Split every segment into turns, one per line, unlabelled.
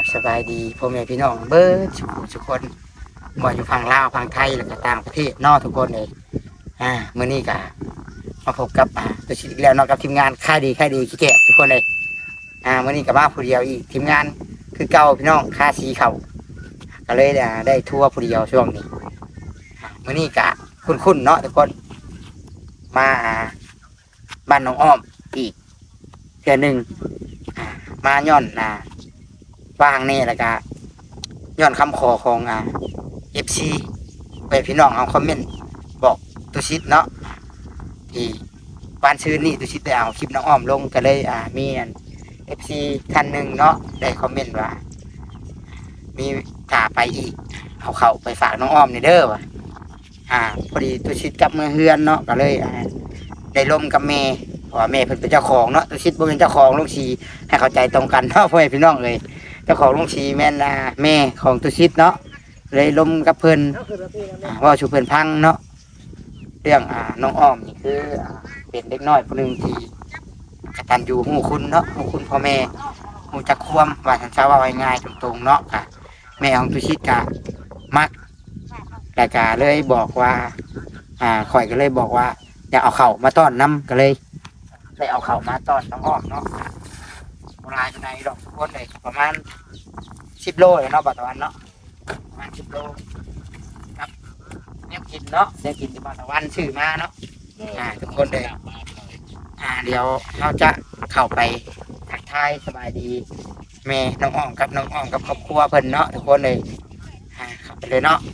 สบายดีพ่อแม่พี่น้องเบิร์ดทุกคนบ่อยู่ฝั่งลาวฝั่งไทยแล้วก็ต่างประเทศนอกทุกคนเลยมื้อนี้ก็มาพบกับตัวชิดอีกแล้วเนาะกับทีมงานค่ายดีขี้แกะทุกคนเลยมื้อนี้ก็มาผู้เดียวอีกทีมงานคือเก่าพี่น้องค่าสีเขาก็เลยได้ทั่วผู้เดียวช่วงนี้มื้อนี้ก็คุ้นๆเนาะทุกคนมาบ้านน้องอ้อมอีกเทื่อหนึ่งมาย้อนว่างนี่แล้วก็ย้อนคำขอของFC ไปพี่น้องเอาคอมเมนต์บอกตุชิดเนาะที่วันชื่นนี่ตุชิดได้เอาคลิปน้องอ้อมลงก็เลยมี FC ท่านหนึ่งเนาะได้คอมเมนต์ว่ามีกาไปอีกเอาเข้าไปฝากน้องอ้อมนี่เด้อว่ะพอดีตุชิดกลับเมืองเฮือนเนาะก็เลยได้ร่วมกับแม่เพราะว่าแม่เพิ่นเป็นเจ้าของเนาะตุชิดบ่เป็นเจ้าของลุงชีให้เข้าใจตรงกันเนาะพ่อแม่พี่น้องเลยเจ้าของลุงชีแม่นแม่ของตุชิดเนาะเลยร่วมกับเพิ่นว่าชูเพิ่นพังเนาะเรื่องน้องอ้อมนี่คือเป็นเด็กน้อยคนหนึ่งที่กตัญญูฮู้คุณเนาะฮู้คุณพ่อแม่ฮู้จักความว่าฉันจะว่าง่ายๆตรงๆเนาะแม่ของตุชิดก็มักแต่ก็เลยบอกว่าข่อยก็เลยบอกว่าอยากเอาเข่ามาต้อนน้ำก็เลยได้เอาเข่ามาต้อนน้องอ้อมเนาะโบราณในดอกคนเลยประมาณ10 โลเลยเนาะปัจจุบันเนาะประมาณ10 โลครับเนี่ยกินเนาะเนี่ยกินที่ปัจจุบันชื่อมาเนาะทุกคนเลยเดี๋ยวเราจะเข้าไปทักทายสบายดีแม่น้องอ้อมกับครอบครัวเพิ่นเนาะทุกคนเลยเข้าไปเลยเนาะ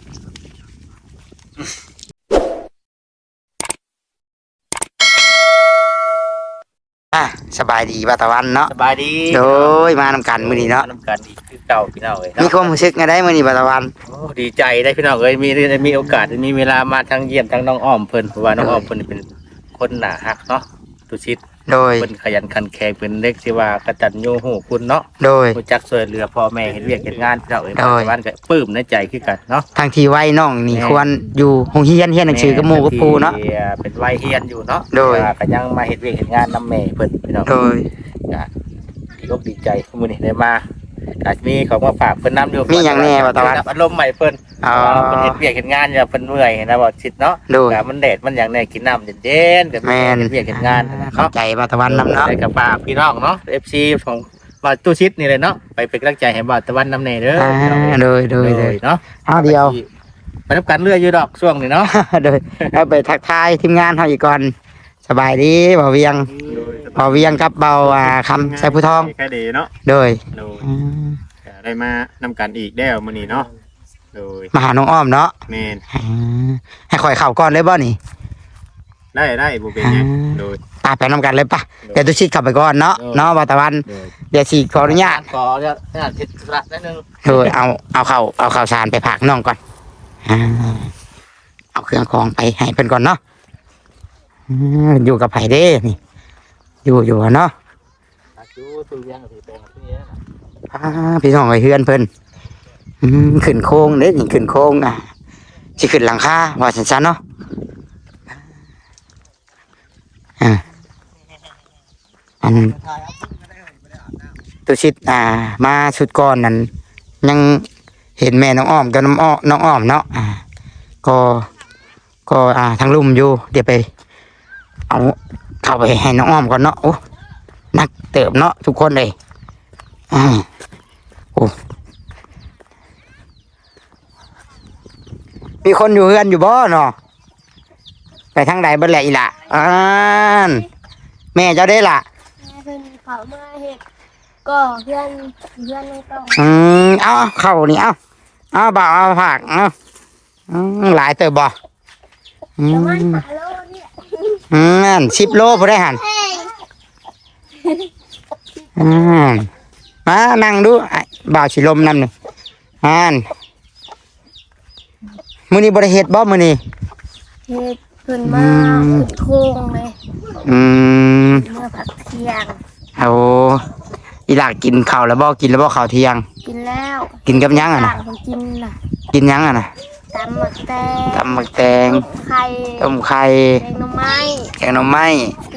สบายดีป่ะตะวันเนาะ
สบายดี
โดยมานำกันมื้อนี้เนาะ
นำกันอีกคือเก่าพี่น้องเอ้ย
มีความรู้สึกไงได้มื้อนี้ป่ะตะวัน
โอ้ดีใจได้พี่น้องเอ้ยมีโอกาสมีเวลามาทั้งเยี่ยมทั้งน้องอ้อมเพิ่นเพราะว่าน้องอ้อมเพิ่นเป็นคนหน้าฮักเนาะตุชิด
โดย
เพิ่นขยันขันแข็งเป็นเด็กที่ว่ากตัญญูฮู้คุณเนาะ
โดย
รู้จักช่วยเหลือพ่อแม่เฮ็ดเวียกเฮ็ดงานพี่น้องเอ้ยปัจจุบันก็ปลื้มในใจคือกันเนาะ
ทางที่ไว้น้องนี่ควรอยู่โรงเรียนหนังสือกับหมู่กับปู่เนาะ
เป็นวัยเรียนอยู่เนาะ
โดย
ก็ยังมาเฮ็ดเวียกเฮ็ดงานนำแม่เพิ่นพี่น้อง
โดย
ดีใจมื้อนี้ได้มาอาจมีของมาฝากเพิ่นนำอยู่
มีหยังแน่บ่ตะวัน
อารมณ์ใหม่เพิ่นเพิ่นเฮ็ดเวียกเฮ็ดงานอยู่เพิ่นเมื่อยนะบ่ชิดเนาะแต่มันแดดมันหยังแน่กินน้ำเย็นๆกับ
แม่น
เวียกเฮ็ดงาน
เข้าใจบ่ตะวันนำเนาะ
ได้กับฝากพี่น้องเนาะ FC ของบ่าวตู้ชิดนี่เลยเนาะไปเป็นกำลังใจให้บ่าวตะวันนำแน่เด้อ
โดย
เนาะ
เดียว
ไปรับกันเรื่อยอยู่ดอกช่วงนี้เนาะ
โดยเอาไปทักทายทีมงานเฮาอีกก่อนสบายดีบ่เวียงกับเบาคำใส่ผู้ทอง
แค่ดีเนาะ
โดย
ได้มานำกันอีกแล้วมื้อนี้เนาะโดย
มาหาน้องอ้อมเนาะ
แม่น
ให้ข่อยเข้าก่อนเลยบ่นี่
ได้บ่เป็นหยังโดย
ไปนำกันเลยป่ะเดี๋ยวตุชิดเข้าไปก่อนเนาะบ่ตะวันเดี๋ยวสิขออนุญาต
ผิดพลาดนิดนึง
โดยเอาข้าวสารไปฝากน้องก่อนเอาเครื่องของไปให้เพิ่นก่อนเนาะอยู่กับไผเด้นี่อยู่เนาะพี่น้องไอ้เฮือนเพิ่นขึ้นโค้งเด้นี่ขึ้นโค้งสิขึ้นหลังคาว่าซั่นๆเนาะอันตุชิดมาชุดก่อนนั้นยังเห็นแม่น้องอ้อมกับน้องอ้อมเนาะก็ทางลุ่มอยู่เดี๋ยวไปเอาเข้าไปให้น้องอ้อมก่อนเนาะโอ้นักเติบเนาะทุกคนเลยโอ้มีคนอยู่เฮือนอยู่บ่เนาะไปทางใดบ่แหละอีล่ะแม่เจ้าได้ล่ะ
เพิ่นเขามาเฮ็ดก็เพื่อนไม่ต้อง
เอาเข้านี่เอาบ่าวเอาผักหลายเติบบ่
ประมาณ5 โล
เนี่ย10 โลพอได้หันมานั่งดูบ่าวสิลมนำนี่มื้อนี้บ่ได้เฮ็ดบ่มื้อนี้
เฮ็ดเพิ่นมาขึ้นโค้งเลยเมื่อพักเที่ยง
โอ้อีหลากกินข้าวแล้วบ่กินแล้วบ่ข้าวเที่ยง
กินแล้ว
กินกับยังน่ะกินยังน่ะ
ตำหมึกแตง
ต้มไข่
แกงหน่อไม้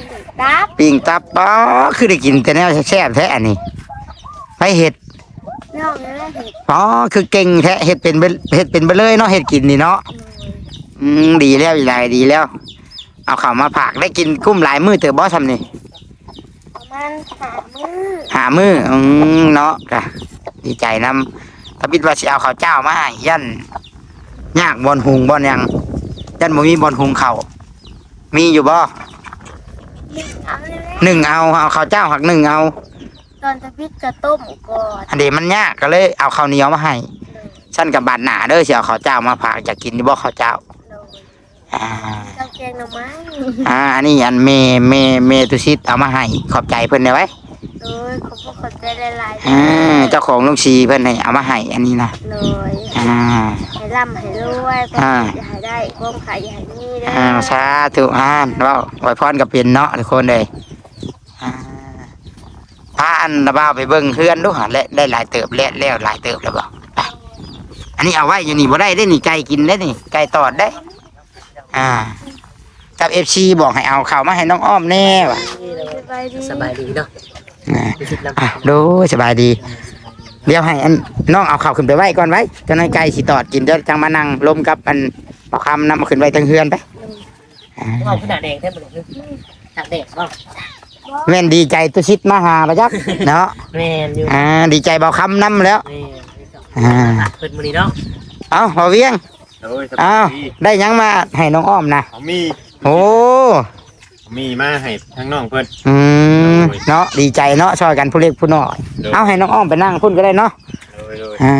ปิ้งตับคือได้กินแต่แนวแซ่บๆแท้อันนี้ไปเฮ็ด
น้องนี่แหละเห็ด
อ๋อคือเก่งแท้เฮ็ดเป็นเฮ็ดเป็นไปเลยเนาะเฮ็ดกินนี่เนาะ
โดย
ดีแล้วอีหลายดีแล้ว เอาข้าวมาผักได้กินกุ้มหลายมื้อเตอบ่ซำนี่
ประมาณ3 มื้อ
หามื้อเนาะกะดีใจนำถ้าคิดว่าสิเอาข้าวเจ้ามาให้ยันยากบ่อนหุงบ่อนหยังยันบ่มีบ่อนหุงข้าวมีอยู่บ่
เอาเลยแหละ
หนึ่งเอาข้าวเจ้าหักหนึ่งเอา
ตอนจะพิษกระต้มก่อน
อันเดมันยากก็เลยเอาข้าวเหนียวมาให้ฉันกับบาดหนาเด้อสิเอาข้าวเจ้ามาผักอยากกินบ่ข้าวเจ้า
โดย
อ่า
เจ้าแกงหน่อไม้
อันนี้อันเมตุซิดเอามาให้ขอบใจเพิ่นได้ไว้
โดยขอบคุณใจหลายๆ
เจ้าของลุงชีเพิ่นให้เอามาให้อันนี้นะ
เลย
อ่า
ให้ร่ำให้รวยก็
อ่า
อย่าให้ได้ความขายอย่าให้มีเด้
สาธุเว้าไว้พรก็เป็นเนาะทุกคนเลยพาอันระบ่าวไปเบิ่งเฮือนดูหั่นและได้หลายเติบแล้วหลายเติบแล้วบ่ไปอันนี้เอาไว้อยู่นี่บ่ได้ได้นี่ไก่กินได้นี่ไก่ตอดได้กับ FC บอกให้เอาข้าวมาให้น้องอ้อมแน่ว่ะ
สบายดี
สบายดีเนาะ
ดูสบายดี เดี๋ยวให้อันน้องเอาข้าวขึ้นไปไว้ก่อนไว้จะให้ไก่สิตอดกินเดี๋ยวจังมานั่งลมกับอันเอาคำนำมาขึ้นไว้ทางเฮือนไป
เอาขนาดแดงแท้หมดเลยขนาดแดงบ้าง
แม่นดีใจตุชิดมาหาประจักษ์เนาะ
แม่นอยู่
ดีใจเบาคำนำแล้ว
แม่เปิดมือนี้เนาะ
เอาพอเวียง
โอ้ยส
เอา
บายดี
ได้หยังมาให้น้องอ้อมนะ
เอามี
โอ้
มีมาให้ทั้งน้องเพิ่น
เนาะดีใจเนาะช่วยกันผู้เล็กผู้น้อยเอาให้น้องอ้อมไปนั่งพุ่นก็ได้เนาะ
โดย
อ่า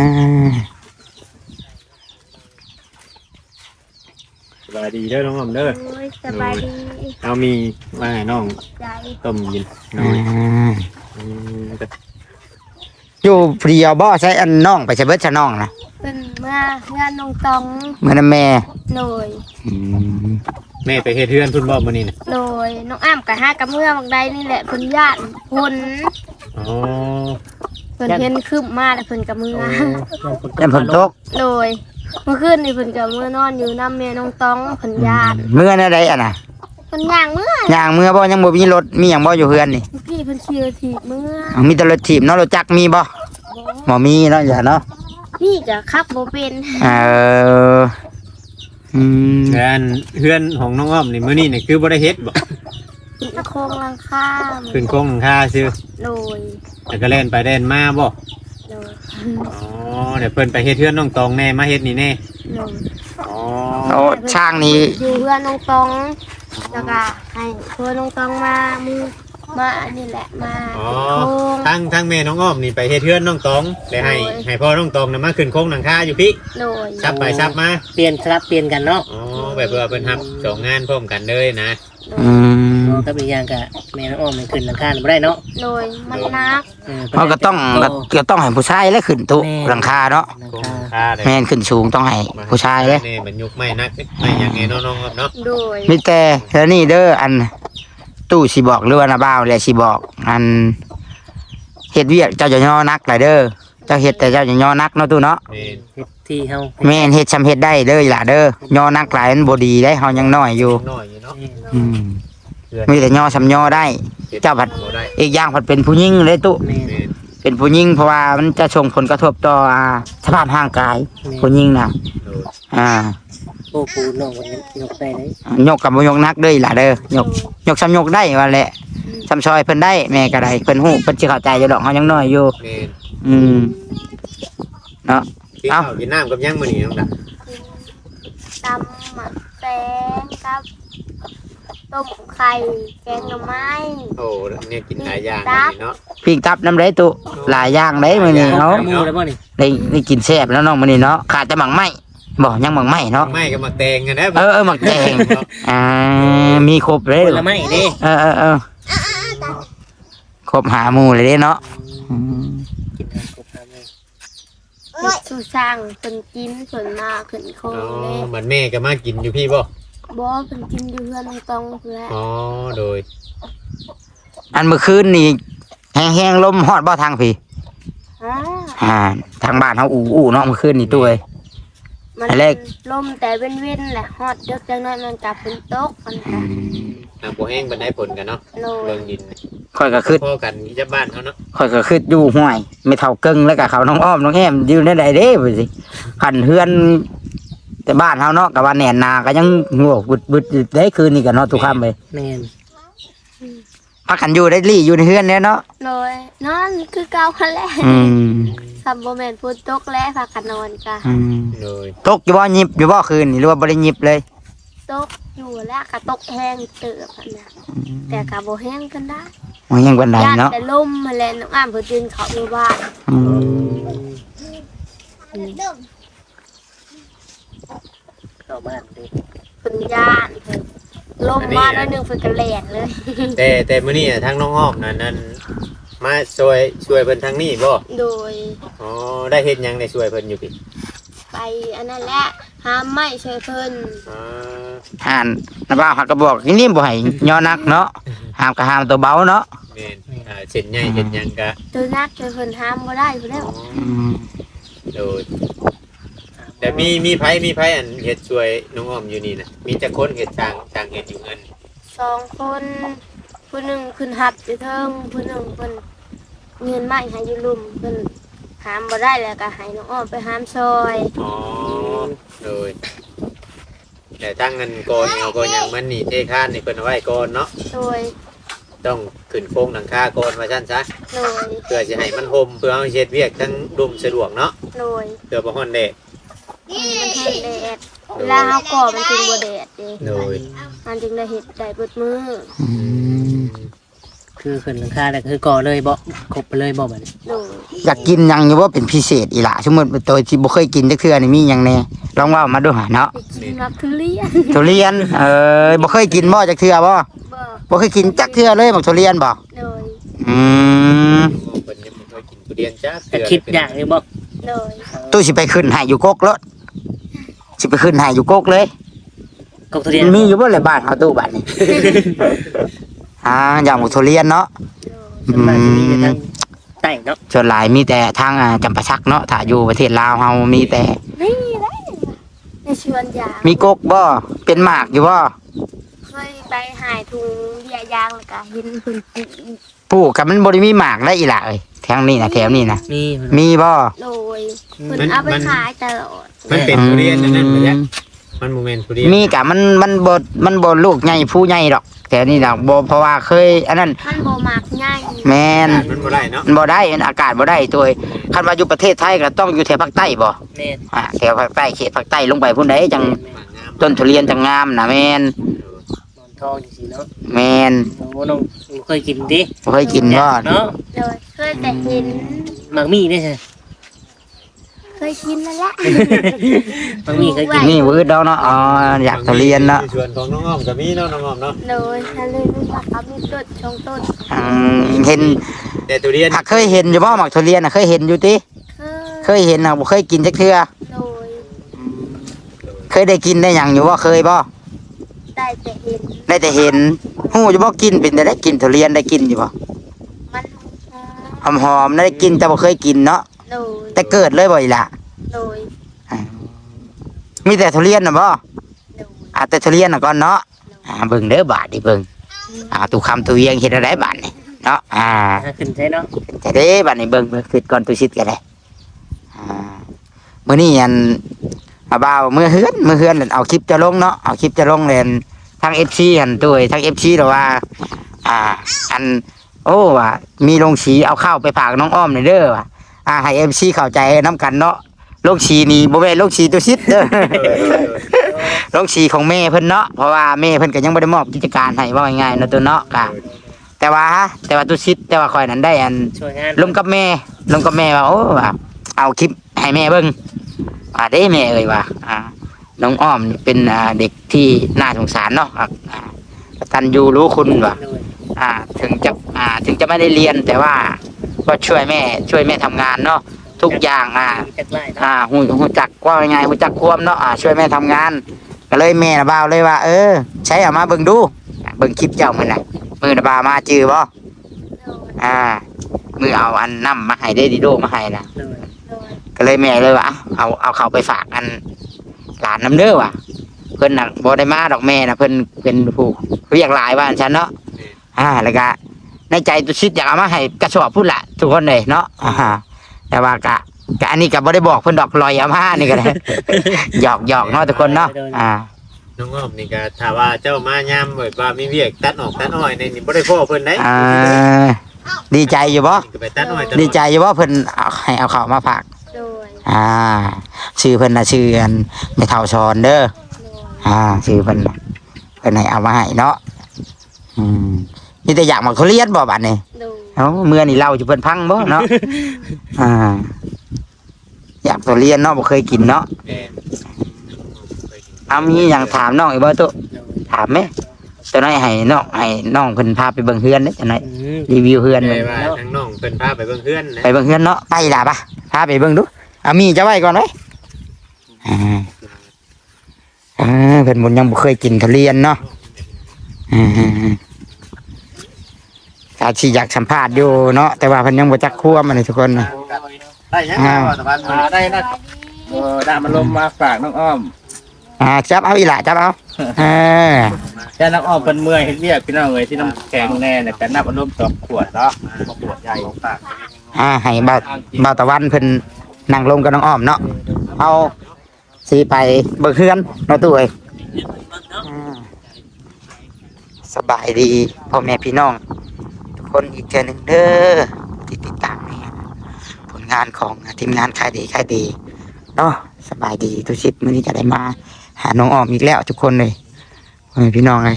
สบายดีเด้อน้องอมเด้อ
โอ้ยสบายดี
เอามีมาให้น้อง
ใจ
ต้มกินหน่
อ่
อย
า
อืมก็
อยู่เพรียวบ่ใช้อันน้องไปใช้เบิดชะน้องนะ
เป็นเมื่องานนงตอง
เมื่อนำแม่
โดย
แม่ไปเฮ็ดเฮือนพุ่นบ่มื้อนี้น่ะ
โดยน้องอ้ำกับห้ากับเมื่อบางใดนี่แหละเพิ่นญาติพล
อ๋อ
เพิ่นเห็นคืบมาแล้วเพิ่นกับเมื่อ
ยันฝนตก
โดยเมื่อคืนนี่เพิ่นกับเมื่อนอนอยู่น้ำแม่น้องตองเพิ่นญาติ
เมื่อนั่นใดอ่ะนะ
เพิ่นย่างเมื่อ
อย่างเมื่อบ่ยังบ่มีรถมีหยังบ่อยู่เฮือนนี่
เมื่อกี้เพิ่นขี่รถถีบเมื่อ
มีแต่รถถีบเนาะรถจักรมีบ่บ่มีเนาะอย่าเนาะ
นี่ก็ขับบ่เป็น
เอออืม
งานเฮือนของน้องอ้อมนี่มื้อนี้นี่คือบ่ได้เฮ็ดบ่
ขึ้นโครงหลังคา
ขึ้นโครงหลังคาซื่อ
โดย
แล้วก็เล่นไปเล่นมาบ่
โดย
อ๋อเดี๋ยวเพิ่นไปเฮ็ดเฮือนน้องตองแน่มาเฮ็ดนี่แน่
โดย
อ๋อ
โอ้ช่างนี้
อยู่เพื่อนน้องตองแล้วก็ให้เพื่อนน้องตองมามือมาอันนี้แหละมา
อ๋อ
โค้ง
ทั้งแม่น้องอ้อมนี่ไปเฮ็ดเฮือนน้องตองได้ให้พ่อน้องตองน่ะมาขึ้นโครงหลังคาอยู่พี่
โดย
ซับไปซับมา
เปลี่ยนสลับเปลี่ยนกันเนาะ
อ๋อแบบว่าเพิ่นรับสองงานพร้อมกันเลยนะ
อืม
ก็เป็นอย่างกับแม่น้องอ้อมมันขึ้นหลังคาไม่ได้เนาะ
โดยมันนัก
เขาก็ต้องให้ผู้ชายแล้วขึ้นตุหลังคาเนาะ
หลัง
โครง
คา
หลังคาเลย
แม่นขึ้นสูงต้องให้ผู้ชายเลย
นี่มันยุกไม่นักไม่อยังไงน้องๆครับเนาะ
โดย
มีแต่แล้วนี่เด้ออันตู้สิบอกหรือว่านาบ่าวแหละสิบอกอันเฮ็ดเวียกเจ้าจะย่อนักหลายเด้อเจ้าเฮ็ดแต่เจ้าจะย่อนักเนาะตู้เนาะ
นี่
เฮ็ดที่เฮา
แม่นเฮ็ดชำเฮ็ดได้เด้อล่ะเด้อย่อนักหลายมันบ่ดีได้เฮายังน้อยอยู่
น้อยอยู่เนาะ
อืมมีแต่ย่อชำย่อได้ เจ้าผัด
บ่ได้
อีกอย่างผัดเป็นผู้หญิงเลยตู้
แม่
นี่
เป็นผู้หญิงเพราะว่ามันจะส่งผลกระทบต่อสภาพร่างกายผู้หญิงน่ะ
โดย
อ่า
โอ้ปูน้องคนนี้ยกได้เลย
ยกกับบ่ยกนักเด้อล่ะเด้อยกซ้ำยกได้ว่าแหละซ้ำซอยเพิ่นได้แม่ก็ได้เพิ่นฮู้เพิ่นสิเข้าใจอยู่ดอกเฮายังน้อยอยู่
นี่
อืมเนาะ
กินข้าวกินน้ำกับยังมื้อนี้น้องดา
ตำหมักแตงกับต้มไข่แกงหน่อไม้
โอ้เนี่ยกินหลายอย่างมื้อนี้เนาะ
ปิ้งตับน้ำได้ตุหลายอย่างได้มื้อนี้เนาะ
หมูแล้วบ่นี่
ได้กินแซ่บแล้วน้องมื้อนี้เนาะขาดแต่หมักไหม้บ่ยังหมักไหม้เนาะ
ไม่ก็มาแตงกันนะ
หมักแดงมีครบเลย
ผลไม้เด้
ครบหาหมู่เลยเด้เนาะ
กินกันครบ5มื้อ
เฮ็ดสู่สร้างเพิ่นกินเพิ่นมาขึ้นโคง
อ๋อ
เลย
เหมือนแม่ก็มากินอยู่พี่บ่
บ่เพิ่นกินอยู่เพื่อนน้องตองเพื่อ
อ๋อโดย
อันเมื่อคืนนี่แห้งๆลมฮอดบ่ทางพี่
ฮะ
ทางบ้านเฮาอู้เนาะเมื่อคืนนี่ตู้เอ้ย
มัน
อันแรก
ลมแต่เว้นๆแหละฮอดเดึกจังน้อยมันกลับเป็นตกมัน
อื
ค่ะ
ม
ทางบ่แห้งบันไดผลกันเนาะ
โดย
เบิ่งดิน
ข่อยก็คือ
พ่อกันที่จะบ้านเขาเนาะ
ข่อยก็คืออยู่ห้วยไม่เท่าเกิงแล้วก็เขาน้องอ้อมน้องแอมอยู่ในใดเด้ไปสิขันเฮือนแต่บ้านเฮาเนาะก็ว่าแหน่นาก็ยังงวกบึดๆได้คืนนี้ก็เนาะทุกค่ำเลย
แม่น
พักกันอยู่ได้ลี่อยู่ในเฮือนเนี่ยเนาะ
โดยนอนคือเก่าคันแหละ
อืม
ซัมโบแมนพูดตกและพากันนอนกะ
อืม
โดย
ตกอยู่บ่หยิบอยู่บ่คืนนี่หรือว่าบ่ได้หยิบเลย
ตกอยู่แล้วกะตกแห้งเติบหั่นนะแต่กะบ่แห้งกันได้
มันยังบันได
ญาติ
เนาะ
แต่ลมมาแล้วน้องอ้ามเพิ่นยืนเขาอยู่บ้าน
อืม
เข้าบ้านดิ
เพิ่นญาติเพิ่นลมมาแล้วนึงเพิ่นก็แล่นเลย
แต่มื้อนี้ทางน้องอ้อมนั่นมาช่วยเพิ่นทางนี้บ่
โดย
อ๋อได้เฮ็ดหยังได้ช่วยเพิ่นอยู่พี่
ไปอันนั้นแหละหามไม้ช่วยเพิ่น
อ๋อ
ห่านนะบ่าวหักก็บอกนี่บ่ให้ย่อนักเนาะห้ามก็ห้ามตัวเบาเนาะ
แม่นเส้นใหญ่เฮ็ดหยังก็
ตัวนักช่วยเพิ่นหามบ่ได้พุ่นแล้ว
อืม
โดยแต่มีไผอันเฮ็ดช่วยน้องอ้อมอยู่นี่น่ะมีจักคนเฮ็ดต่างเฮ็ดอยู่เงิน
2 คนผู้หนึงขึ้นหับอยู่เทิงผู้หนึงเพิ่นเงินไม้ให้อยู่ลุ่มเพิ่นหามบ่ได้แล้วก็ให้น้องอ้อมไปหามซอย
อ๋อโดยแต่ตั้งเงินก่อนเอาก่อนอย่างมันนี่เทคานนี่เพิ่นเอาไว้ก่อนเนาะ
โดย
ต้องขึ้นโครงหลังคาก่อนว่าซั่นซะ
โดย
เพื่อสิให้มันห่มเพื่อเอาเฮ็ดเวียกทั้งดุมสะดวกเนาะ
โดย
เพื่อบ่ฮ้อนแดด
มันแห้งแดดเวลาเฮาก่อมันจึงบ่แดดเด้
โดย
มันจึงได้เฮ็ดได้เบิดมือ
อืม
คือขึ้นหลังคาแล้วคือก่อเลยบ่ครบไปเลยบ่บัดนี้
โดย
อยากกินหยังอยู่ว่าเป็นพิเศษอีหล่ะสมมุติตัวที่บ่เคยกินจักเทื่อนี่มีหยังแน่ลองเว้ามาดูหาเนาะ
ไปกินมักทุเรียน
ทุเรียนบ่เคยกินบ่จักเทื่อบ่
บ่
บ่เคยกินจักเทื่อเลยบักทุเรียนบ่
โดย
อืม
เพิ่นยังบ่เคยกินทุเรียนจ้า
แต่คิดอย่างอยู่บ่
โดย
ตู้สิไปขึ้นให้อยู่กกรถสิไปขึ้นให้อยู่กกเลย
กบทุเรียน
มีอยู่บ่เลยบ้านเฮาตู้บ้านนี้ อย่างบักทุเรียนเนาะ
โดย
ส่วนมากจะมีแต่ทางใต้เนาะ
ส่วนหลายมีแต่ทางจำปาสักเนาะถ้าอยู่ประเทศลาวเฮามีแต่
นี่ได้ในชวนยาง
มีกกบ่เป็นหมากอยู่บ่
เคยไปหายถุงเบียร์ยางแล้วก็เห็นเพิ่นปลูก
ปลูกกับมันบ่ได้มีหมากได้อีหล่ะเอ้ยแถวนี้นะแถวนี้นะ
มี
มีบ่
โดยเพิ่นเอาไปขายตลอด
มันเป็นทุเรียนอันนั่นบ่จ๊ะมันบ่แม่นทุเรียน
มีกะมันบ่ลูกใหญ่ผู้ใหญ่ดอกแต่นี่ดอกบ่เพราะว่าเคยอันนั้น
มันบ่มักง่าย
แม่น
มันบ่ได้เนาะ
มันบ่ได้มันอากาศบ่ได้ตัวเอ้ยคันว่าอยู่ประเทศไทยก็ต้องอยู่แถวภาคใต้บ่
แม่น
แถวภาคใต้เขตภาคใต้ลงไปพุ่นใดจัง
หมากงาม
ต้นทุเรียนจังงามนะแม่น
หมอนทองจังซี่เนาะ
แม่น
โอ้น้องเคยกินดิ
บ่เคยกินบ่
เนาะ
โดยเคยแต่เห็น
มักมีได้ใช่
เคยกินแล้วแหละ
มักมีเคยกิน
นี่วืดดอกเนาะอ๋ออยากทุเรียนเนาะ
ส่วนของน้องอ้อมก็มีเนาะน้องอ้อมเนาะ
โดยทะเลลูกว่าเขามีต้นชงต้น
เห็น
แต่ทุเรียน
หากเคยเห็นอยู่บ่หมักทุเรียนน่ะเคยเห็นอยู่ติ เคยเห็นน่ะบ่เคยกินจักเทื่อ
โดย
เคยได้กินได้หยังอยู่บ่เคยบ่
ได้แต่เห็น
ได้แต่เห็นฮู้อยู่บ่กินเป็นแต่ได้กินทุเรียนได้กินอยู่บ่
มัน
หอมๆได้กินแต่บ่เคยกินเนาะ
โดย
แต่เกิดเลยบ่อีหล่ะ
โดย
มีแต่ทุเรียนน่ะบ่
โดย
แต่ทุเรียนน่ะก่อนเนาะเบิ่งเด้อบาดดิเบิ่งตุคำตุเวียงเฮ็ดอะไรบาดนี่เนาะ
หาขึ้นใช่เนาะ
แต่เด้บาดนี้เบิ่งคิดก่อนตุชิดก็ได้มื้อนี้อันบ่าวมื้อเฮือนนั่นเอาคลิปจะลงเนาะเอาคลิปจะลงเลยทาง FC หั่นตุ้ยทาง FC แล้วว่า อันโอ้ว่ามีโรงสีเอาข้าวไปฝากน้องอ้อมหน่อยเด้อว่ะให้ FC เข้าใจนํกันเนาะโรงสีนี่บ่แม่นโรงสีตุชิดเด้อ โรงสีของแม่เพิ่นเนาะเพราะว่าแม่เพิ่นก็ยังบ่ได้มอบกิจการให้ว่าง่ายๆเนาะตัวเนาะก็แต่ว่าตุชิดแต่ว่าข่อยนั้นได้อัน
ช่วยงาน
ลงกับแม่ว่าโอ้ว่าเอาคลิปให้แม่เบิ่งเด้แม่เอ่ยว่าน้องอ้อมนี่เป็นเด็กที่น่าสงสารเนาะกตัญญูรู้คุณว่า
โดย
ถึงจะไม่ได้เรียนแต่ว่าก็ช่วยแม่ทำงานเนาะทุกอย่าง
จักไล่เนาะ
หูจักว่ายังไงหูจักควมเนาะช่วยแม่ทำงานก็เลยแม่นะบ่าวเลยว่าใช้เอามาเบิ่งดูเบิ่งคลิปเจ้ามื้อน่ะมือนะบ่าวมาจื้อบ่
โดย
มือเอาอันน้ำมาให้ได้ดิโดมาให้นะ
โดย
โดย
ก็เลยแม่เลยว่าเอาเขาไปฝากอันหลานน้ำเด้อว่ะเพิ่นน่ะบ่ได้มาดอกแม่น่ะเพิ่นเป็นผู้เรียกหลายว่าอันฉันเนาะแล้วก็ในใจตุชิดอยากเอามาให้กระสอบพุ่นละทุกคนเลยเนาะแต่ว่ากะอันนี้ก็บ่ได้บอกเพิ่นดอกลอยเอามานี่ก็ได้ หยอกเนาะทุกคนเนาะ
น้องอ้อมนี่ก็ถ้าว่าเจ้ามายามแบบว่ามีเวียกตัดออกตัดอ้อยนี่บ่ได้พ่อเพิ่นได้
ดีใจอยู่บ่
ไปตัดอ้อย
ดีใจอยู่บ่เพิ่นให้เอาข้าวมาฝาก
โดย
ชื่อเพิ่นน่ะชื่ออันไม่เท่าชอนเด้อชื่อเพิ่นให้เอามาให้เนาะนี่แต่อยากมาเขาเรียนบ่บัดนี้เมื่อนี่เล่าอยู่เพิ่นพังบ่เนาะอยากตัวเรียนเนาะบ่เคยกินเนาะมีหยังถามน้องอีกบ่ตุ๊ถามแม่ตัวน้อยให้น้องเพิ่นพาไปเบิ่งเฮือนเด้อจังได๋รีวิวเฮือน
เลยว่าทั้งน้องเพิ่นพาไปเบิ่งเฮือนนะ
ไปเบิ่งเฮือนเนาะไปล่ะป่ะพาไปเบิ่งดูมีจะไว้ก่อนเด้เพิ่นบ่ยังบ่เคยกินทุเรียนเนาะอาชีอยากสัมภาษณ์อยู่เนาะแต่ว่าเพิ่นยังบ่จักคั่วมันทุกคนนะ
ได้ยังตะวัน
ได้นะได้มาลมมาฝากน้องอ้อม
จับเอาอีหล่ะจับเอา
แต่น้องอ้อมเป็นเมื่อยเฮ็ดเวียกพี่น้องเอ้ยที่น้ำแข็งแน่เนี่ยแต่น้ำอารมณ์2 ขวดเนาะขวดใหญ่ฝาก
ให้บ่าวตะวันเพิ่นนั่งลงกับน้องอ้อมเนาะเอาสิไปเบิ่งเฮือนเนาะตู้เอ้ยสบายดีพ่อแม่พี่น้องทุกคนอีกเทื่อนึงเด้อที่ติดตามผลงานของทีมงานขายดีเนาะสบายดีทุกชิดมื้อนี้จะได้มาหาน้องอ้อมอีกแล้วทุกคนเลยพ่อแม่พี่น้องเลย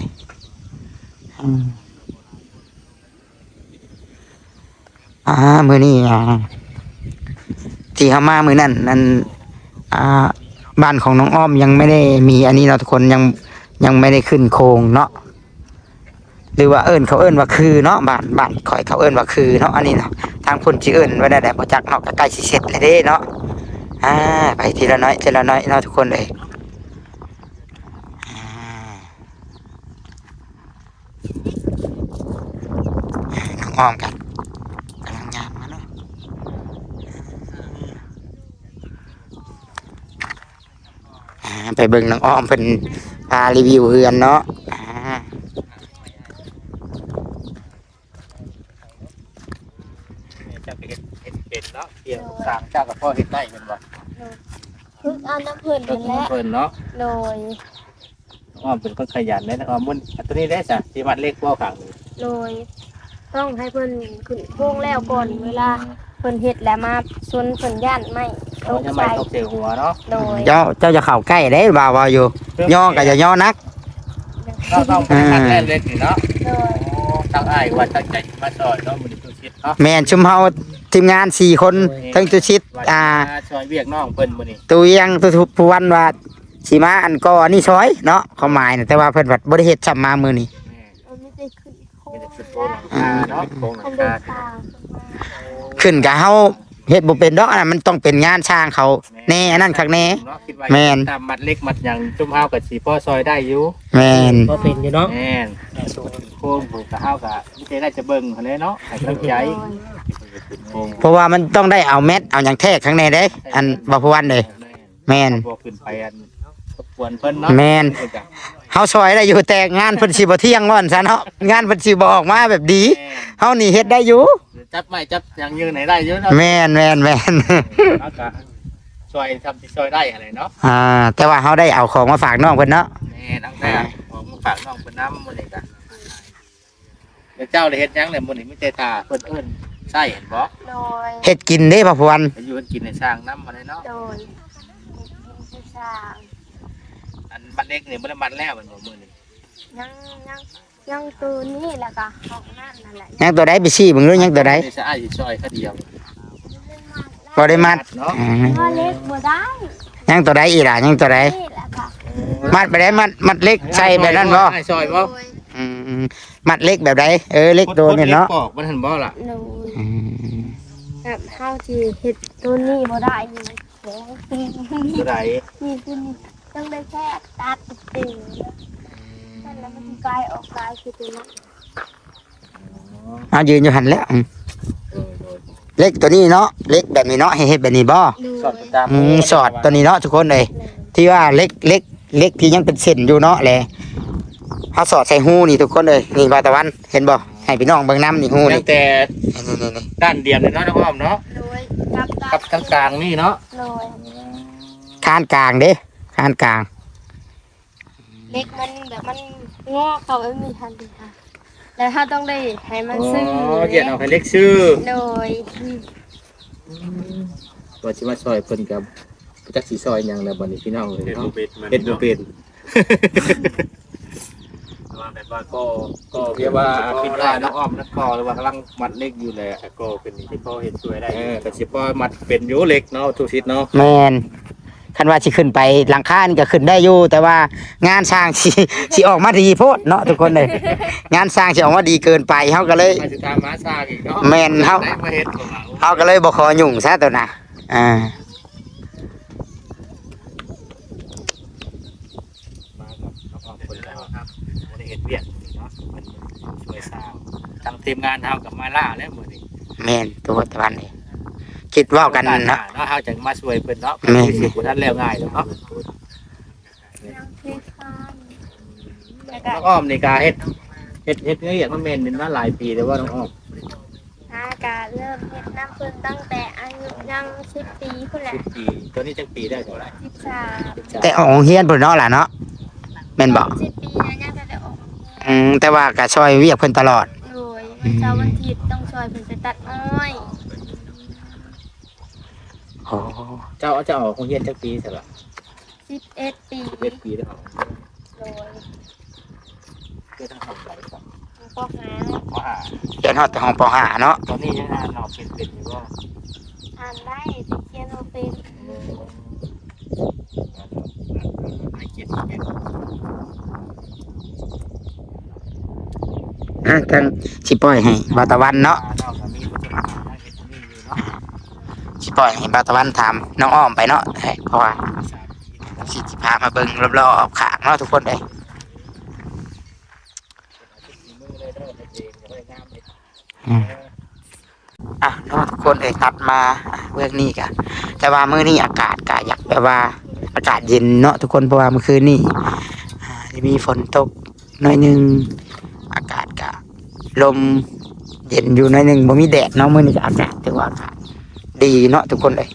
มื้อนี้ที่เขามามื้อนั้นบ้านของน้องอ้อมยังไม่ได้มีอันนี้เราทุกคนยังไม่ได้ขึ้นโครงเนาะหรือว่าเขาว่าคือเนาะบ้านข่อยเขาว่าคือเนาะอันนี้เนาะทางคนที่ว่าได้บ่จักเนาะใกล้สิเสร็จเลยเด้เนาะไปทีละน้อยเนาะทุกคนเลยน้องอ้อมกันกำลังงานมาเนาะไปเบิ่งน้องอ้อมเป็นรีวิวเฮือนเนาะ
จะเป็นเนาะเกี่ยวสร้างเจ้ากับพ่อเฮ็ดได้เป็นบ่
พึ่งเอาน้ำเพิ่นนั่นแหละ
เพิ่นเนาะ
โดย
อ้อมเป็นคนขยันเลยนะอ้อมมันตัวนี้ได้จ้ะสิมัดเล็กบ่ข้างนี้
โดยต้องให้เพิ่นขึ้นโค้งแล้วก่อนเวลาเพิ่นเฮ็ดแล้วมาชนเพิ่นย่านไม่
ตกใจตกเสียหัวเนาะ
โดย
เจ้าจะเข้าใกล้ได้บ่าวอยู่ย่อก็จะย่อนัก
ต้องเป็นแรกเล็กนี่เนาะตั้งอ้ายว่าตั้งใจมาซอยเนาะมื้อนี้ตุชิดเนาะ
แม่นชุมเฮาทีมงาน4คนทั้งตุชิด
ซอยเวียกน้องเพิ่นมื้อนี้
ตุยังตุผู้วันว่าสิมาอันก่อนี่ซอยเนาะความหมายน่ะแต่ว่าเพิ่นบ่ได้เฮ็ดซ้ำมามื้อนี้ขึ้นกับเฮาเฮ็ดบ่เป็นดอกอันนั้นมันต้องเป็นงานช่างเขาแน่อันนั้นคักแน่แม่น
ตามมัดเล็กมัดหยังจุ่มเฮาก็สิพอซอยได้อยู่
แม่น
บ่เป็นอยู่เนาะ
แม่นโค้งผูกกับเฮาก็มีใจได้จะเบิ่งหั่นแหละเนาะให้กำลังใจ
เพราะว่ามันต้องได้เอาแมทเอาหยังแท้ข้างในเด้อันบ่พวันเด้แม่น
บ่ขึ้นไปอันรบกวนเพิ่นเนาะ
แม่นเฮาซอยได้อยู่แต่งานเพิ่นสิบ่เที่ยงว่าซั่นเนาะงานเพิ่นสิบ่ออกมาแบบดีเฮานี่เฮ็ดได้อยู่
จับไม้จับหยังยืนไหนได้อยู่เนาะ
แม่น
แล้วก็ซอยทำสิซอยได้อะไรเนาะ
แต่ว่าเฮาได้เอาของมาฝากน้องเพิ่นเนาะ
แม่ตั้งแต่ของมาฝากน้องเพิ่นนำมื้อนี้ก็เดี๋ยวเจ้าได้เฮ็ดหยังแล้วมื้อนี้มีแต่ท่าเพิ่นเอิ้นใช่เห็นบ่
โดย
เฮ็ดกินเด้พ่อพวัน
อยู่เฮ็ดกินให้สร้างนำมาเลยเนาะ
โดยสร้าง
อันบัดเล็กนี่บ่ได้มัดแล้วมันบ่มื้อนี้
ยังตัวนี้แล้วก็ของนั่นนั่นแหละ
ยังตัวใดไปชี้มึงรู้ยังตัวใด
จะอ้ายสิซอยเขาเดียว
บ่ได้มัด
เนาะ
เล็กบ่ได้
ยังตัวใดอีหล่ะยังตัวใดมัดไปได้มัดเล็กใส่แบบนั้นบ่
ซอยบ่
มัดเล็กแบบใดเล็กตัวนี่เนาะ
ปอกมันหั่นบ่ล่ะ
แบบเฮาที่เฮ็ดตัวนี้บ่ได้นี่
ตัวใด
นี่คือต้องได้แค่ตัดติ่งแล้วมันกลายออกกลายคือตัวนั้น
ยืนอยู่หันแล้วเล็กตัวนี้เนาะเล็กแบบนี้เนาะให้เฮ็ดแบบนี้บ่สอดตัวนี้เนาะทุกคนเลยที่ว่าเล็กเล็กที่ยังเป็นเส้นอยู่เนาะแหละเฮาสอดใส่หูนี่ทุกคนเลยนี่บาตะวันเห็นบ่ให้พี่น้องเบิ่งน้ำนี่หู
ตั้
นี่
งแต่
นี่
ด้านเดียวเลยเนาะน้องอ้อมเนาะ
โดยกับ
กับทางกลางนี่เนาะ
โดย
ข้านกลางเด้ข้านกลาง
เล็กมันแบบมันงอเข้าไม่มีทันทีค่ะแล้วถ้าต้องได้ให้มันซึ้ง
เหยียดเอาให้เล็กชื่อ
โดย
ว่าสิมาซอยเพิ่นกับจักสิซอยหยังแล้วบัดนี้พี่น้องเลย
เฮ็ด
เนาะ
บ่เป็นมัน
เฮ็ดบ่เป็น
ว่าแบบว่าก็
เรียกว่าปิดได้น้องอ้อมนักกอหรือว่ากำลังมัดเล็กอยู่แหละ
ก็เป็นที่พ่อเฮ็ดช่วยได้
ก็สิพอมัดเป็นอยู่เล็กเนาะทุกทิศเนาะ
แมนคันว่าสิขึ้นไปหลังคานี่ก็ขึ้นได้อยู่แต่ว่างานสร้างสิออกมาดีโพดเนาะทุกคนเลยงานสร้างสิออกมาดีเกินไปเฮาก็เลย
มาสิตามมาซากอีกเนาะ
แม่นเฮา
ได้มาเฮ็ดของเรา
เฮาก็เลยบ่ขอยุ่งซะตัวน่ะอ่า
มากับน้องอ้อมคนแล้วครับบ่ได้เฮ็ดเวียกเนาะเพิ่นช่วยสร้างทางทีมงานเฮากับมาล่าแล้วมื้อนี้
แม่นตัวตะวันนี่คิดเว้ากันเนาะ
เนาะเฮาจะมาช่วยเพิ่นเนาะ
แม่น
สิบ่ทันแล้วง่ายดอกเนาะ
น้ำพริกข้าวแล้วก็
น้องอ้อมนี่ก็เฮ็ดเนื้ออย่างมันแม่นเป็นมาหลายปีแล้วว่าน้องอ้อม
อากาศเริ่มเฮ็ดน้ำพึ่งตั้งแต่อายุยัง10 ปีพุ่นแหละ
10 ปีตัวนี้จักปีได้เท่าไหร่
13
แต่ออกโรงเรียนพุ่นเนาะล่ะเนาะแม่นบ่
10 ปีนะยังจะได้ออก
แต่ว่าก็ช่วยเวียกเพิ่นตลอด
โดยวันเสาร์วันอาทิตย์ต้องช่วยเพิ่นไปตัดอ้อย
โอ้
เจ้าออกโรงเรียนจักปีใช่ป่ะ
11 ปี
11ปีแล้ว
โดย
เพื่อทั้งสองฝ่ายครับ
ก็หา
เพราะว่า
เรียนฮอดแต่ห้องป .5 เนาะ
ตอนนี้ยังอ่านออกเป็นอยู่ว่า
อ่านได้แต่เขียนบ่เป็น
ไม่เกียรเป็น
จังสิปล่อยให้บาตะวันเนาะ
นอกจากมีผู้จัดการให้เป็นนี่อยู่เนาะ
สิปล่อยให้บาตะวันถามน้องอ้อมไปเนาะเพราะว่าสิพามาเบิ่งรอบๆข้างเนาะทุกคนเลย
มือเลยเด้อเองก็ได้งามเลย
เนาะทุกคนเลยตัดมาเรื่องนี้กะแต่ว่ามื้อนี้อากาศกะอยากแบบว่าอากาศเย็นเนาะทุกคนเพราะว่าเมื่อคืนนี้มีฝนตกหน่อยหนึงอากาศกะลมเย็นอยู่หน่อยหนึงบ่มีแดดเนาะมื้อนี้ก็อากาศถือว่าอากาศดีเนาะทุกคนเลย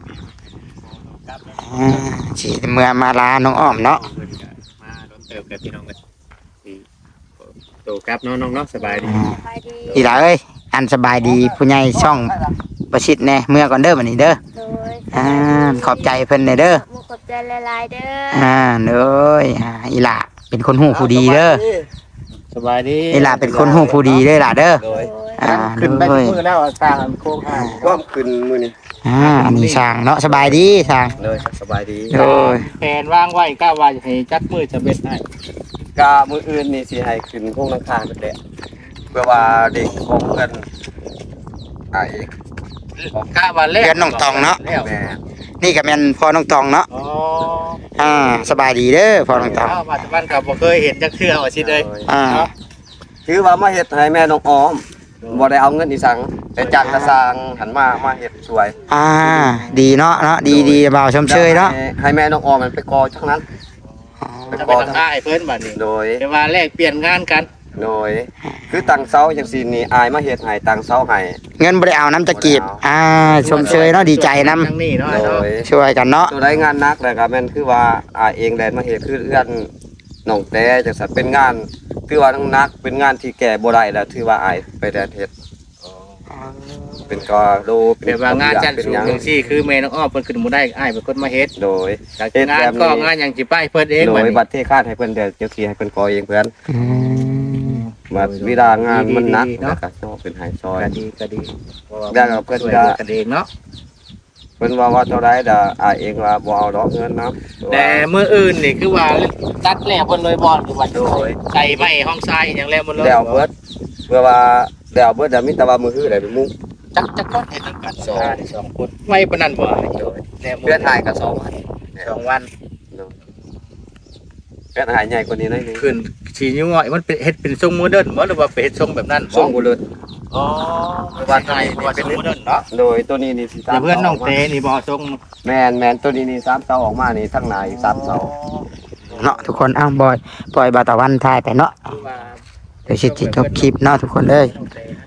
สิเมื่อมาลาน้องอ้อมเนาะ
มาโดนเติบกับพี่น้องกันโตครับน้องๆเนาะสบายดี
ไปดี
อีหล่าเอ้ยอันสบายดีผู้ใหญ่ช่องประชิดแน่เมื่อก่อนเด้อบัดนี้เด้อ
โดย
ขอบใจเพิ่นแน่เด้อ
ขอบใจหลายๆเด้อ
เด้ออีหล่าเป็นคนหูผู้ดีเด้อ
สบายดี
อีหล่าเป็นคนหูผู้ดีเด้อล่ะเด้อ
โดย
ขึ้นไป
เด้อ
มือแล้วสร้างโค้งห่าง
ก็ขึ้นมื้อนี้
อันนี้ช่างเนาะสบายดีช่าง
เลยสบายดี
โอ้ย
แผนวางไว้ก้าว่าจะให้จัดมือจะเบ็ดให้
กามื้ออื่นนี่สิให้ขึ้นโครงหลังคานั่นแหละเพื่อว่าเด็กของเพิ่นไอ้
ก้าว่าแรก
เพื่อนน้องตองเนาะ
แล้ว
แม่
นี่ก็แม่นพ่อน้องตองเนาะ
อ๋อ
สบายดีเด้อพ่อน้องตอง
ปัจจุบันกับบ่เคยเห็นจักเทื่อว่าสิเลย เนาะ
คือว่ามาเฮ็ดให้แม่น้องออมบ่ได้เอาเงินอีสังแต่จ้างกระสร้างหันมาเฮ็ดสวย
ดีเนาะดีบ่าวชมเชยเนาะ
ให้แม่น้องออมมันไปกอทั้งนั้น
จะเป็นราคาให้เพิ่นบัดนี้
โดย
แต่ว่าแลกเปลี่ยนงานกัน
โดยคือตั้งเสาจังซี่นี่อายมาเฮ็ดให้ตั้งเสาให้
เงินบ่ได้เอาน้ำจะกีบชมเชยเนาะดีใจนํ
ทั้งนี้เนาะ
โด
เนาะ
ย
ช่วยกันเนาะ
ตัวได้งานหนักแล้วก็แม่นคือว่าอายเองแดนมาเฮ็ดคือเอื้อนน้องแต่จังซั่นเป็นงานคือว่าหนักเป็นงานที่แก่บ่ได้แล้วถือว่าอายไปแดนเฮ็ดเป็นกอโลเป็น
แบบว่างานจันทร์
เป็น
สู
ห
ง
ยัง
จังซี่คือแม่น้องอ้อมเพิ่นขึ้นบ่ได้อ้ายเป็นคนมาเฮ็ด
โดย
จากงานก็งานหยังสิไปเพิ่นเอง
โด
บัด
ย
นี้
บัตรเทคาดให้เพิ่นเดี๋ยวเจ้าที่ให้เพิ่นกอเองเพิ่นบัดเวลางานมันหนักแล้วก็ต้องเป็นหายซอย
ก็ดี
ได้ครับเพิ่น
ช่วย
ก็
เหลือกันเองเนาะ
เพิ่นว่าเท่าใดดอายเองว่าบ่เอาดอกเงินเนาะ
แต่มื้ออื่นนี่คือว่าตัดแล้วเพิ่นเลยบ่คือว่า
โดย
ใส่ไม้ห้องทรายอหยังแล้วหมดเลย
แล้วเบิดเพื่อว่าแล้วเบิดมีแต่ว่ามือฮื้อได้เป็นมุ้ง
จักคนเฮ็ดนำกันสองคนไว้ปานนั้นบ่
โดย
แล้ว
เพื่อนถ่ายก็2วัน
2 วัน
เพื่อนถ่ายใหญ่กว่านี้หน่อยนึง
ขึ้นสีนิ้วง่อยมันเป็นเฮ็ดเป็นทรงโมเดิร์นบ่หรือว่าเป็นเฮ็ดทรงแบบนั้น
ส่งบ่เลิศ
อ๋อว่าไทยว่าเป็นโมเดิร์นเนาะ
โดยตัวนี้นี่สิ
แต่เพื่อนน้องเตนี่บ่ทรง
แม่นตัวนี้นี่3เสาออกมานี่ทั้งหน้าอีก3เสา
เนาะทุกคนอ้าวบอยปล่อยบาตะวันทายไปเนาะเดี๋ยวสิจบคลิปเนาะทุกคนเลย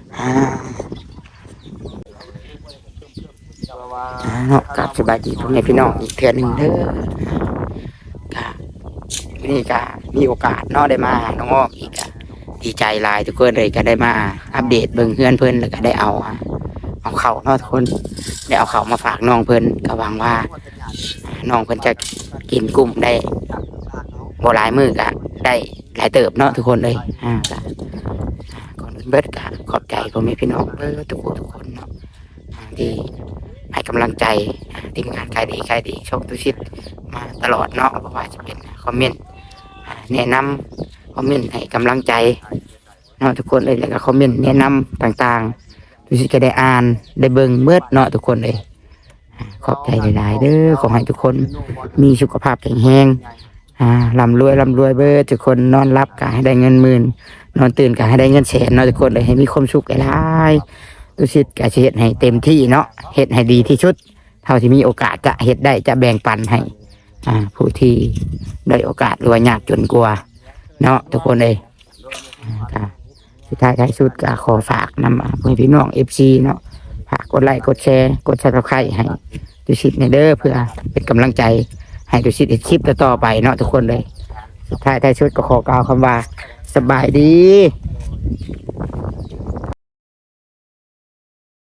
เนาะกับสบายดีพ่อแม่พี่น้องอีกเทื่อหนึงเด้อกะนี่กะมีโอกาสเนาะได้มาหาน้องอ้อมอีกอะดีใจหลายทุกคนเลยก็ได้มาอัปเดตเบิ่งเฮือนเพิ่นแล้วก็ได้เอาเข้าเนาะทุกคนได้เอาเข้ามาฝากน้องเพิ่นก็หวังว่าน้องเพิ่นจะกินกุ้งได้บ่หลายมื้อก็ได้หลายเติบเนาะทุกคนเลยก็ก่อนอื่นเบิดก็ขอบใจพ่อแม่พี่น้องทุกคนเนาะที่ให้กำลังใจทีมงานขายดีช่องตุชิตมาตลอดเนาะเพราะว่าจะเป็นคอมเมนต์แนะนำคอมเมนต์ให้กำลังใจเนาะทุกคนเลยแล้วก็คอมเมนต์แนะนำต่างๆตุชิตก็ได้อ่านได้เบิ่งเมื่อเนาะทุกคนเลยขอบใจหลายๆเด้อขอให้ทุกคนมีสุขภาพแข็งแรงร่ำรวยเบิดทุกคนนอนรับก็ให้ได้เงินหมื่นนอนตื่นก็ให้ได้เงินแสนเนาะทุกคนเลยให้มีความสุขหลายๆตุชิตก็จะเฮ็ดให้เต็มที่เนาะเฮ็ดให้ดีที่สุดเท่าที่มีโอกาสจะเฮ็ดได้จะแบ่งปันให้ผู้ที่ได้โอกาสหรือว่ายากจนกลัวเนาะทุกคนเลยสุดท้ายสุดก็ขอฝากนำพี่น้อง FC เนาะฝากกดไลค์กดแชร์กด Subscribe ให้ตุชิตในเด้อเพื่อเป็นกำลังใจให้ตุชิตคลิปต่อไปเนาะทุกคนเลยสุดท้ายสุดก็ขอกล่าวคำว่าสบายดี